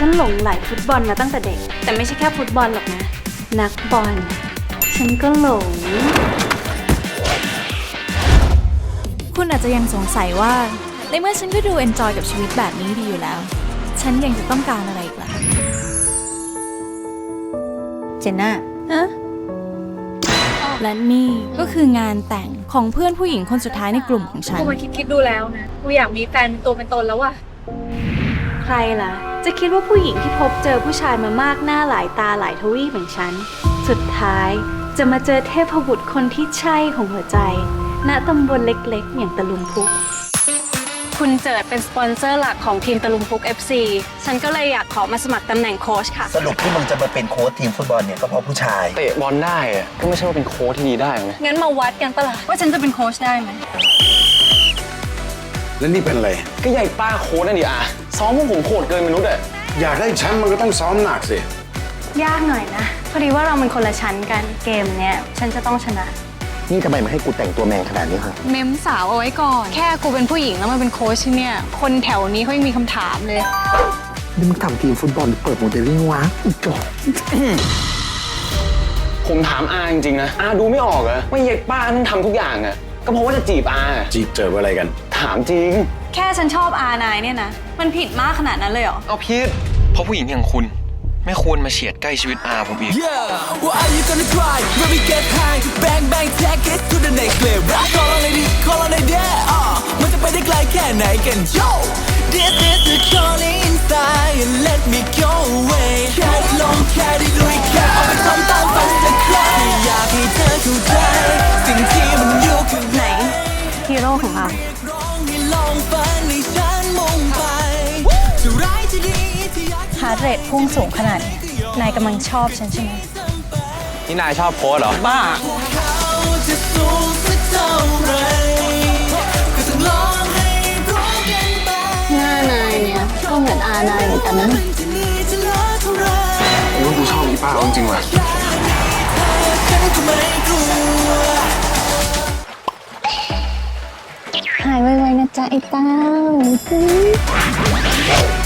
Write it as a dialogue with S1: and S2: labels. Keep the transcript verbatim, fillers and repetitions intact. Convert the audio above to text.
S1: ฉันหลงใหลฟุตบอลมาตั้งแต่เด็กแต่ไม่ใช่แค่ฟุตบอลหรอกนะนักบอลฉันก็หลง
S2: คุณอาจจะยังสงสัยว่าในเมื่อฉันก็ดูเอนจอยกับชีวิตแบบนี้ดีอยู่แล้วฉันยังจะต้องการอะไรอีกล่ะ
S3: เจนน่า
S2: อะและนี่ก็คืองานแต่งของเพื่อนผู้หญิงคนสุดท้ายในกลุ่มของฉัน
S4: กูมาคิดคิดดูแล้วนะกูอยากมีแฟนเป็นตัวเป็นตนแล้วว่ะ
S1: ใครล่ะจะคิดว่าผู้หญิงที่พบเจอผู้ชายมามากหน้าหลายตาหลายทวีปเหมือนฉันสุดท้ายจะมาเจอเทพบุตรคนที่ใช่ของหัวใจณตำบลเล็กๆอย่างตะลุมพุกคุณเจิดเป็นสปอนเซอร์หลักของทีมตะลุมพุก เอฟ ซี ฉันก็เลยอยากขอมาสมัครตำแหน่งโค้ชค่ะ
S5: สรุปที่มึงจะมาเป็นโค้ชทีมฟุตบอลเนี่ยก็เพราะผู้ชาย
S6: เตะบอลได้อะก็ไม่ใช่ว่าเป็นโค้ชที่ดีได้ไหม
S4: งั้นมาวัดกันปะล่ะว่าฉันจะเป็นโค้ชได้ไหม
S7: แล้วนี่เป็นอะไร
S6: ก็ใหญ่ป้าโค้ชนั่นดิอ่ะซ้อมพวกผมโคตรเกินมนุษย์อ่ะ
S7: อยากได้แชมป์มันก็ต้องซ้อมหนักสิ
S1: ยากหน่อยนะพอดีว่าเราเป็นคนละชั้นกันเกมเนี้ยฉันจะต้องชนะ
S5: นี่ทำไมมาให้กูแต่งตัวแมงขนาดนี้ฮะ
S4: เมมสาวเอาไว้ก่อนแค่กูเป็นผู้หญิงแล้วมาเป็นโค้ชที่เนี่ยคนแถวนี้เขายังมีคำถามเลย
S5: นี่มึงทำทีมฟุตบอลเปิดโมเดลลิ่งวะอีกจอด
S6: ผมถามอาจริงๆนะอาดูไม่ออกเหรอว่าใหญ่ป้าต้องทำทุกอย่างอ่ะก็เพราะว่าจะจีบอา
S7: จีบเจออะไรกัน
S6: ถามจริง
S1: แค่ฉันชอบอานายเนี่ยนะมันผิดมากขนาดนั้นเลยเหรอ
S6: เอาผิดเพราะผู้หญิงอย่างคุณไม่ควรมาเฉียดใกล้ชีวิตอาผมอีก
S8: Yeah what are you gonna try when we get high bang bang take it to the next level call on it call on it yeah อ่ะมันจะไปได้ไกลแค่ไหนกัน Yo this is the calling inside and let me go away แค่ได้ลองแค่ได้ลุยแค่เอาไปทำตามฝันสักครั้งอยากให้เธอเข้าใจสิ่งที่มันอยู่ข้างใน
S1: ฮีโร่ของเราฮาร์ดเรทพุ่งสูงขนาดนี้นายกำลังชอบฉันใช่ไหม
S6: นี่นายชอบโค้ชเหรอบ้า
S1: หน้านายเนี่ยก็เหมือนอานายเหมือนกันนะ
S6: โอ้กูชอบอีป้าจริงๆว่ะ
S1: หายไวๆนะจ๊ะไอ้เต้า